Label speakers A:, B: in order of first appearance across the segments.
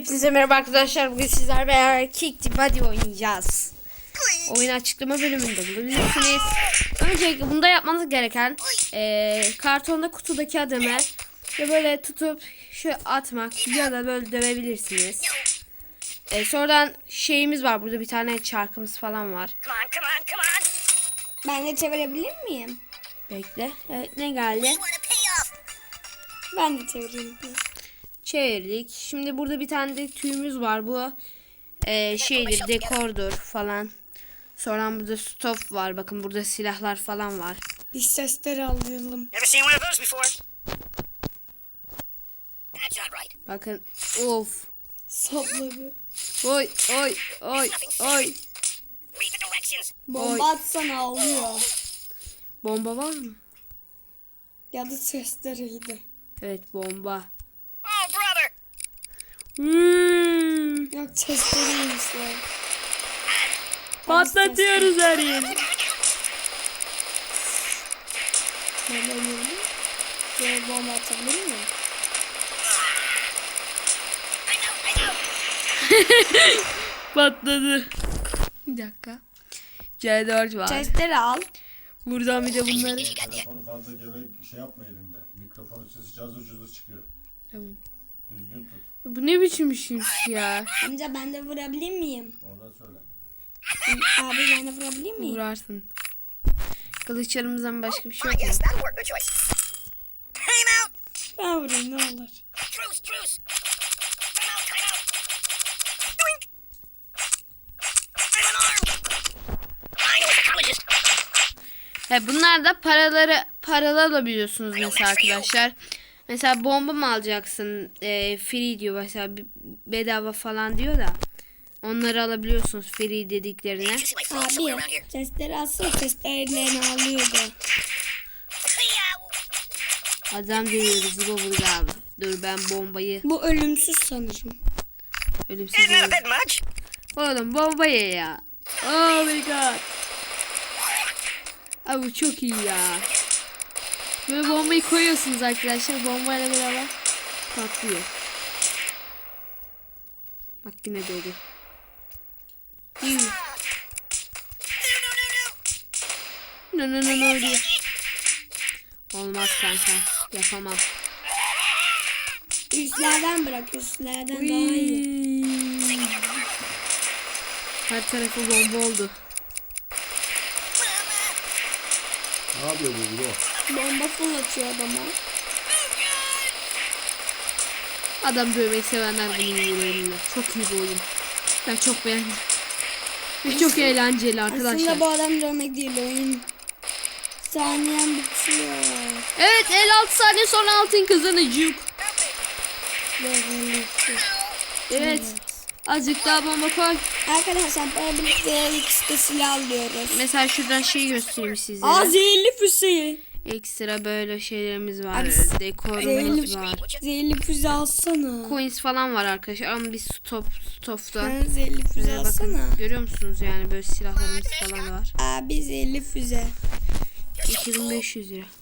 A: Hepinize merhaba arkadaşlar. Bugün sizlerle beraber Kick the Body oynayacağız. Oyun açıklama bölümünde bulabilirsiniz. Öncelikle bunda yapmanız gereken kartonda kutudaki adımı ve böyle tutup şu atmak ya da böyle dövebilirsiniz. Sonradan şeyimiz var. Burada bir tane çarkımız falan var.
B: Ben de çevirebilir miyim?
A: Bekle. Evet, ne geldi?
B: Ben de çevireyim.
A: Çevirdik. Şimdi burada bir tane de tüyümüz var. Bu şeydir, dekordur falan. Sonra burada stop var. Bakın burada silahlar falan var.
B: Biz sesleri alalım.
A: Bakın. Of.
B: Sapladı.
A: Oy oy oy oy.
B: Bomba atsana ağlıyor.
A: Bomba var mı?
B: Ya da sesleriydi.
A: Evet, bomba.
B: Yok sesleriymişler.
A: Patlatıyoruz her yeri.
B: Ben de oynayalım. Şöyle bomba atabilir miyim?
A: Patladı. Bir dakika. C4 var.
B: Sesleri al.
A: Buradan bir de bunları.
C: Mikrofonu fazla şey yapma elinde. Mikrofonun sesi cazır cazır çıkıyor.
A: Tamam.
C: Düzgün tut.
A: Bu ne biçim işmiş ya?
B: Amca ben de vurabilir miyim?
C: Oradan söyle.
B: Abi ben de vurabilir miyim?
A: Vurarsın. Kılıçlarımızdan başka bir şey yok mu?
B: Ben vurayım ne olur.
A: Bunlar da paralı alabiliyorsunuz mesela arkadaşlar. Mesela bomba mı alacaksın? Free diyor mesela, bedava falan diyor da. Onları alabiliyorsunuz free dediklerine.
B: Abi sesleri alsın, seslerini alıyordu.
A: Adam görüyoruz bu burada abi. Dur ben bombayı
B: Bu ölümsüz sanırım.
A: ölümsüz oğlum bombayı ya. Oh my god. Abi çok iyi ya. Böyle bombayı koyuyorsunuz arkadaşlar. Bombayla beraber patlıyor. Bak yine doğdu. No diyor. Olmaz kanka. Yapamam.
B: Üstlerden bırak, üstlerden daha iyi.
A: Her tarafı bomba oldu.
C: Ne yapıyor bu?
B: Bomba fırlatıyor adama.
A: Adam dövmek sevenler bunu iyi oynuyor. Çok iyi bir oyun. Ben çok beğendim. Ve çok eğlenceli arkadaşlar.
B: Aslında bu adam dövmek değil, oyun. Saniyen bitiyor.
A: Evet, 56 saniye sonra altın kazanacak. Evet. Azıcık daha bomba koy.
B: Arkadaşlar böyle birlikte ikisi silah alıyoruz.
A: Mesela şuradan şey göstereyim sizlere.
B: Aa, zehirli füze.
A: Ekstra böyle şeylerimiz var.
B: Abi,
A: Dekorumuz var.
B: Zehirli füze alsana.
A: Coins falan var arkadaşlar ama biz stop'ta.
B: Sen zehirli füze alsana.
A: Bakın görüyor musunuz yani böyle silahlarımız falan var.
B: Abi zehirli füze.
A: 2500 lira.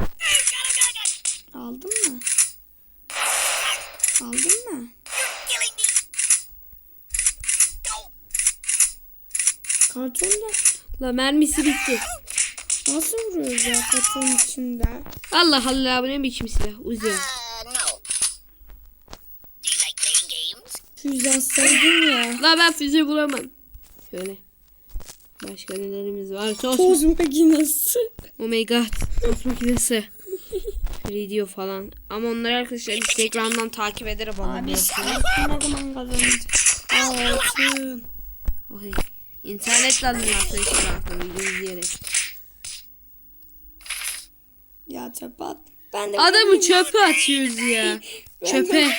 B: Aldın mı? Aldın mı? Kartonda
A: La mermisi bitti.
B: nasıl vuruyoruz ya kartonun içinde?
A: Allah Allah, bu ne biçim silah? Uzi.
B: Füze atsaydın ya.
A: La ben füze bulamam. Şöyle. Başka nelerimiz var?
B: Toz makinesi.
A: Oh my god. Tost makinesi. Video falan. Ama onları arkadaşlar Instagram'dan takip ederim.
B: Abi ne zaman kazanacağız? Altın.
A: Oy. İnternetle alın arkadaşlar videoyu izleyerek.
B: Ya çöpe at. Ben de
A: Adamı çöpe atıyoruz ya. Çöpe.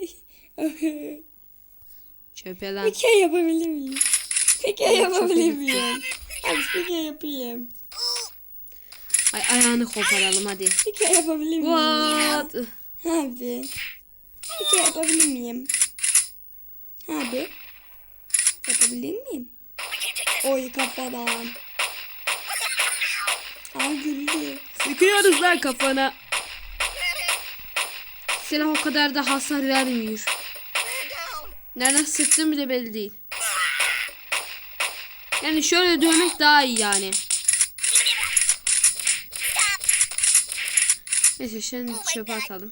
A: Çöpe lan.
B: Pike yapabilir miyim? Pike yapabilir miyim? Hadi pike yapayım.
A: Ay ayağını koparalım hadi.
B: Pike yapabilir miyim ya?
A: What?
B: Abi. Pike yapabilir miyim? Abi. Yapabilir miyim? Oy kafadan. Ay güldü.
A: Sıkıyoruz lan kafana. Silah o kadar da hasar vermiyor. Nereden sıktığım bile belli değil. Yani şöyle dövmek daha iyi yani. Neyse şimdi çöpe atalım.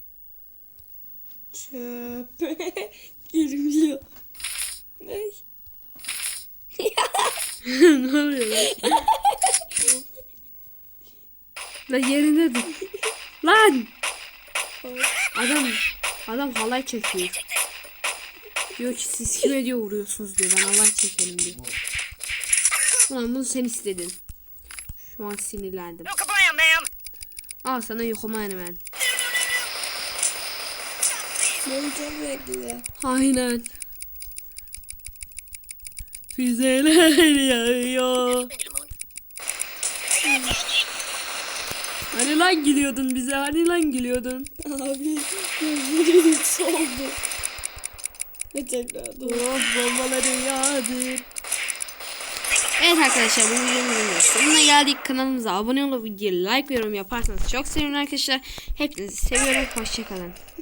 B: Çöp. Girmiyor. Ay.
A: Ne oluyor lan? Lan yerinde dur. Lan! Adam halay çekiyor. Diyor ki siz kime diyor vuruyorsunuz diyor. Ben halay çekelim diyor. Ulan bunu sen istedin. Şu an sinirlendim. Al sana yokuma hemen.
B: Beni çok bekliyor.
A: Aynen. Füzeler yağıyor. Hani lan gülüyordun bize? Hani lan gülüyordun?
B: Abi gözlerim soldu. Ve tekrar dur.
A: Oh bombaları yağdır. Evet arkadaşlar bu videonun sonuna geldik. Kanalımıza abone olup videoya like ve yorum yaparsanız çok sevinirim arkadaşlar. Hepinizi seviyorum. Hoşçakalın.